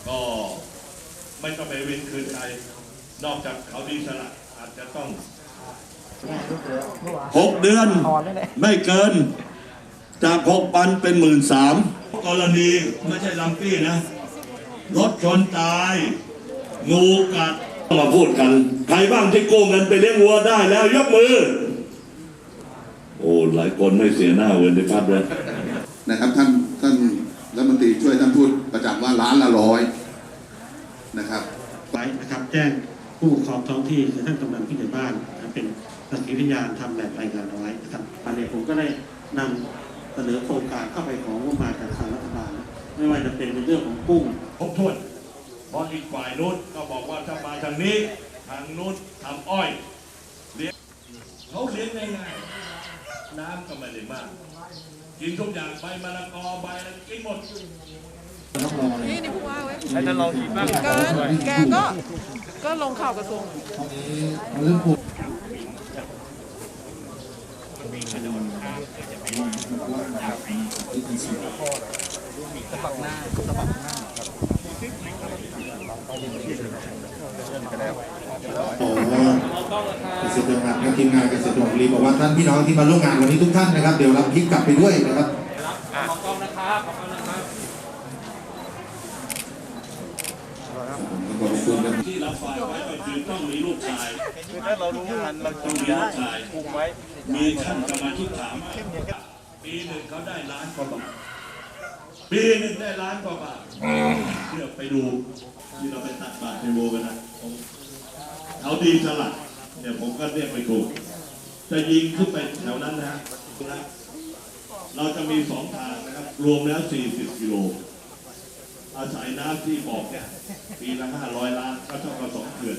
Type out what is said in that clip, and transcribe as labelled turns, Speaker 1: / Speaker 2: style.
Speaker 1: ก็ไม่ต้องไปเว้นคืนใครนอกจากเขาดีสละอาจจะต้อง6 เดือนไม่เกินจาก6,000เป็น13,000กรณีไม่ใช่ลัมปี้นะรถชนตายงูกัดมาพูดกันใครบ้างที่โกงเงินไปเลี้ยงวัวได้แล้วยกมือโอ้หลายคนไม่เสียหน้าเว้นในพัดเลย
Speaker 2: นะครับท่านรัฐมนตรีช่วยท่านพูดประจำว่า1,100,000นะครับ
Speaker 3: ไว้นะครับแจ้งผู้ปกครองท้องที่คือท่านกำนันผู้ใหญ่บ้านเป็นสักขีพยานทำแบบรายงานเอาไว้นะครับอันนี้ผมก็ได้นำเสนอโครงการเข้าไปของงบประมาณจากทางรัฐบาลไม่ว่าจะเป็นในเรื่องของกุ้ง
Speaker 1: ครบถ้วนเพราะอีกฝ่ายนู้นก็บอกว่าถ้ามาทางนี้ทางนู้นทำอ้อยเลี้ยงเขาเลี้ยงง่ายๆน้ำก็ไม่ได้มากกินทุกอย่างใบมะละกอใบอะไรกินหมด
Speaker 4: นี่ผู้ว่าไว้
Speaker 5: ให้ท่านลองคิดบ้าง
Speaker 4: แกก็ลงข่าวกระทรวง
Speaker 6: เกษตรกรทีมงานเกษตรกรรีบอกว่าท่านพี่น้องที่มาร่วมงานวันนี้ทุกท่านนะครับเดี๋ยวรับคลิปกลับไปด้วยนะครับ
Speaker 5: ขอบคุณนะครับขอบคุณนะครับ
Speaker 1: ที่รับไฟไว้ก็คือต้องมีลูกชาย
Speaker 5: คือถ้าเรารู้ทันเราต้องมีลูกชายคุมไว้
Speaker 1: มีท่านกรรมธิการปีหนึ่งเขาได้1,000,000 กว่าบาทปีหนึ่งได้1,000,000 กว่าบาทเพื่อไปดูที่เราไปตักบาตรในโบกันนะเขาดีสลัดเนี่ยผมก็เรียกไปถูกจะยิงขึ้นไปแถวนั้นนะเราจะมี2 ทางนะครับรวมแล้ว40 กิโลอาศัยน้ำที่บอกเนี่ยปีละ500 ล้านก็เท่ากับ2 เขื่อน